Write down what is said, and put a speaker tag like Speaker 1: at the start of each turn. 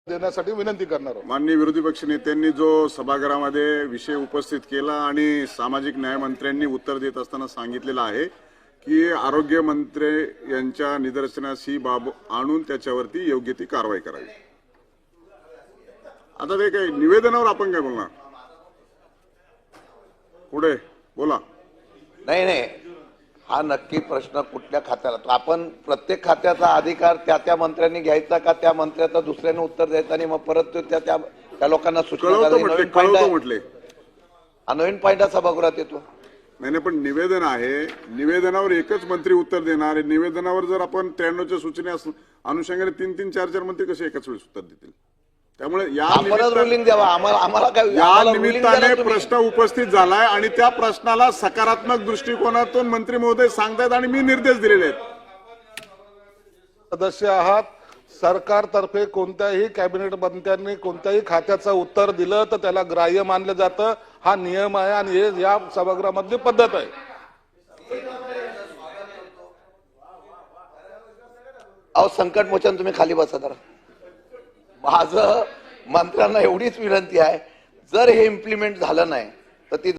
Speaker 1: देण्यासाठी विनंती करणार आहोत।
Speaker 2: माननीय विरोधी पक्ष नेत्यांनी जो सभागृहामध्ये विषय उपस्थित केला आणि सामाजिक न्याय मंत्र्यांनी उत्तर देत असताना सांगितलेलं आहे की आरोग्य मंत्री यांच्या निदर्शनास ही बाब आणून त्याच्यावरती योग्य ती कारवाई करावी। आता ते काही निवेदनावर आपण काय बोलणार? पुढे बोला।
Speaker 3: नाही, हा नक्की प्रश्न कुठल्या खात्याला, तो आपण प्रत्येक खात्याचा अधिकार त्या मंत्र्यांनी घ्यायचा का त्या मंत्र्याचा दुसऱ्याने उत्तर द्यायचं आणि मग परत त्या लोकांना सूचना
Speaker 2: म्हटले
Speaker 3: नवीन पॉईंट सभागृहात येतो।
Speaker 2: नाही, पण निवेदन आहे, निवेदनावर एकच मंत्री उत्तर देणार आहे। निवेदनावर जर आपण 93च्या सूचने अनुषंगाने 3-3, 4-4 मंत्री कसे एकाच वेळेस उत्तर देतील? त्यामुळे या निमित्ताने प्रश्न उपस्थित झालाय आणि त्या प्रश्नाला सकारात्मक दृष्टिकोनातून मंत्री महोदय सांगतायत आणि मी निर्देश दिलेले आहेत।
Speaker 1: सदस्य आहात, सरकारतर्फे कोणत्याही कॅबिनेट मंत्र्यांनी कोणत्याही खात्याचं उत्तर दिलं तर त्याला ग्राह्य मानलं जातं। हा नियम आहे आणि हे या सभागृहामधली पद्धत आहे।
Speaker 3: संकट मोचन तुम्ही खाली बसा जरा। माझं मंत्र्यांना एवढीच विनंती आहे, जर हे इम्प्लिमेंट झालं नाही तर ती